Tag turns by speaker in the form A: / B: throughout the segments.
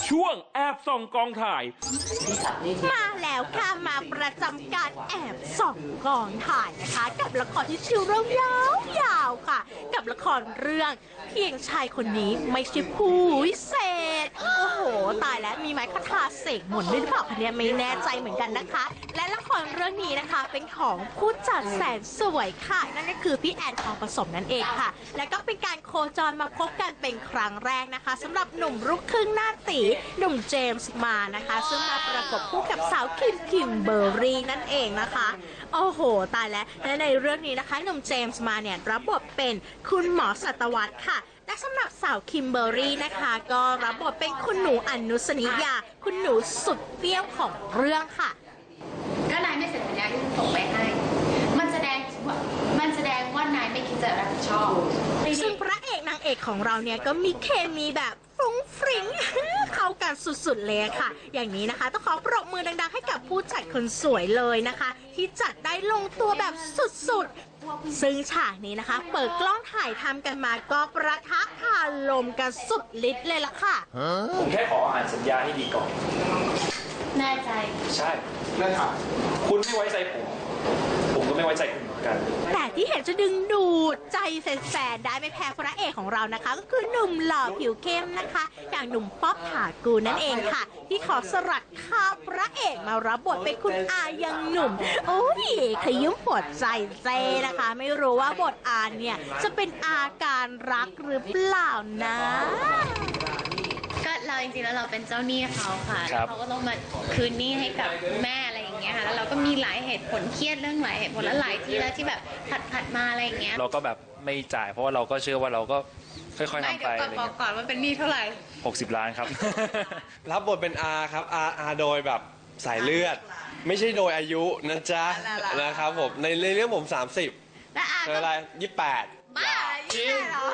A: ช่วงแอบส่องกองถ่าย
B: มาแล้วค่ะมาประจำการแอบส่องกองถ่ายนะคะกับละครที่ชื่อเรื่องยาวๆค่ะกับละครเรื่องเพียงชายคนนี้ไม่ใช่ผู้วิเศษโอ้โหตายแล้วมีไม้คทาเสกมนต์ด้วยหรือเปล่าคะเนี่ยไม่แน่ใจเหมือนกันนะคะและละครเรื่องนี้นะคะเป็นของผู้จัดแสนสวยค่ะนั่นก็คือพี่แอนทองผสมนั่นเองค่ะและก็เป็นการโคจรมาพบกันเป็นครั้งแรกนะคะสำหรับหนุ่มลูกครึ่งหน้าตีหนุ่มเจมส์มานะคะซึ่งมาประกบคู่กับสาวคิมเบอร์รี่นั่นเองนะคะโอ้โหตายแล้วและในเรื่องนี้นะคะหนุ่มเจมส์มาเนี่ยรับบทเป็นคุณหมอสัตวรรษค่ะและสำหรับสาวคิมเบอร์รี่นะคะก็รับบทเป็นคุณหนูอนุสนิยาคุณหนูสุดเปรี้ยวของเรื่องค่ะ
C: ก็นายไม่เซ็นสัญญาที่ส่งไปให้มันแสดงว่านายไม่คิดจะรับผิดชอบ
B: ซึ่งพระเอกนางเอกของเราเนี่ยก็มีเคมีแบบฟรุ้งฟริ้งเข้ากันสุดๆเลยค่ะอย่างนี้นะคะต้องขอปรบมือดังๆให้กับผู้จัดคนสวยเลยนะคะที่จัดได้ลงตัวแบบสุดๆซึ่งฉากนี้นะคะเปิดกล้องถ่ายทำกันมาก็ประทะคาลมกันสุดฤทธิ์เลยล่ะค่ะ
A: ผมแค่ขออ่านสัญญาให้ดีก่อน
C: แน่ใจ
A: ใช่แน่ค่ะคุณไม่ไว้ใจผมก็ไม่ไว้ใจคุณเหมือนกัน
B: แต่ที่เห็นจะดึงดูดใจแฟนๆได้ไม่แพ้พระเอกของเรานะคะก็คือหนุ่มหล่อผิวเข้มนะคะอย่างหนุ่มป๊อปถากูลนั่นเองค่ะที่ขอสลัดข้าวพระเอกมารับบทเป็นคุณอายังหนุ่มโอ้ยขยุ่มปวดใจเจนะคะไม่รู้ว่าบทอาเนี่ยจะเป็นอาการรักหรือเปล่านะ
C: ก็เราจริงๆแล้วเราเป็นเจ้าหนี้เขาค่ะเขาก็ต้องมาคืนหนี้ให้กับแม่อะไรอย่างเงี้ยค่ะแล้วเราก็มีหลายเหตุผลเครียดเรื่องหลายเหตุผลและหลายที่แล้วที่แบบผัดมาอะไรอย่างเงี้ย
A: เราก็แบบไม่จ่ายเพราะว่าเราก็เชื่อว่าเราก็ค่อยๆทำไปอะไรเงี้ย
C: ก่อนว่าเป็นหนี้เท่าไหร่
A: 60 ล้านครับ
D: รับบทเป็นอาครับอาโดยแบบสายเลือดไม่ใช่โดยอายุนะจ๊ะนะครับผมในเรื่องผม30
C: และอา
D: อะไร28
C: บ้าจริงเหรอ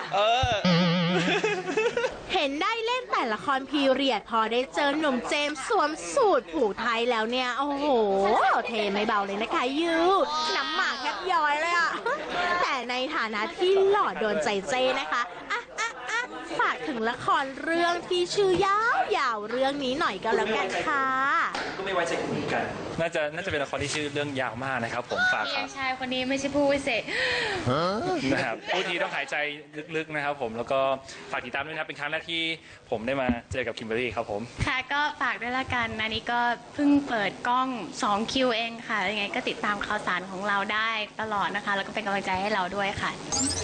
B: เห็นได้เล่นแต่ละครพีเรียดพอได้เจอหนุ่มเจมส์สวมสูทผูกไทยแล้วเนี่ยโอ้โหเทไม่เบาเลยนะคะยูน้ำหมากแทบย้อยเลยอะแต่ในฐานะที่หล่อโดนใจเจนะคะฝากถึงละครเรื่องที่ชื่อยาวๆเรื่องนี้หน่อยก็แล้วกันค่ะ
A: ก็ไม่ไว้ใจคุณเหมือนกันน่าจะเป็นละครที่ชื่อเรื่องยาวมากนะครับผมฝากครับ
C: ชายคนนี้ไม่ใช่ผู้วิเศษ
A: นะครับผู้ทีต้องหายใจลึกๆนะครับผมแล้วก็ฝากติดตามด้วยนะครับเป็นครั้งแรกที่ผมได้มาเจอกับคิมเบอร์รี่ครับผม
C: ค่ะก็ฝากด้วยละกันอันนี้ก็เพิ่งเปิดกล้อง2 คิวเองค่ะยังไงก็ติดตามข่าวสารของเราได้ตลอดนะคะแล้วก็เป็นกำลังใจให้เราด้วยค่ะ